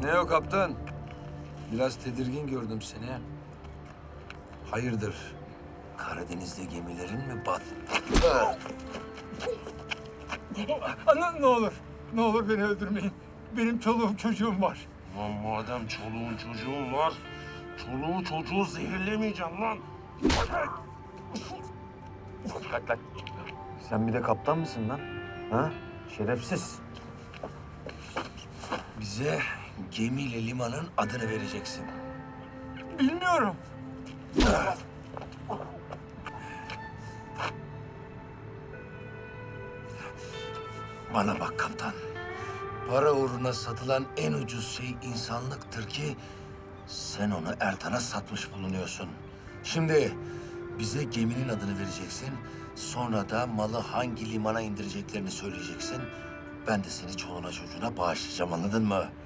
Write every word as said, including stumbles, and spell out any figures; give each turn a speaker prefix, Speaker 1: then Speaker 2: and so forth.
Speaker 1: Ne o kaptan? Biraz tedirgin gördüm seni. Hayırdır? Karadeniz'de gemilerin mi bat?
Speaker 2: Ana ne olur, ne olur beni öldürmeyin. Benim çoluğum çocuğum var.
Speaker 3: Lan madem çoluğun çocuğun var, çoluğu çocuğu zehirlemeyeceksin lan. Kalk lan.
Speaker 1: Sen bir de kaptan mısın lan? Ha? Şerefsiz. Bize gemiyle limanın adını vereceksin.
Speaker 2: Bilmiyorum.
Speaker 1: Bana bak kaptan. Para uğruna satılan en ucuz şey insanlıktır ki sen onu Ertan'a satmış bulunuyorsun. Şimdi bize geminin adını vereceksin. Sonra da malı hangi limana indireceklerini söyleyeceksin. Ben de seni çoluğuna çocuğuna bağışlayacağım, anladın mı?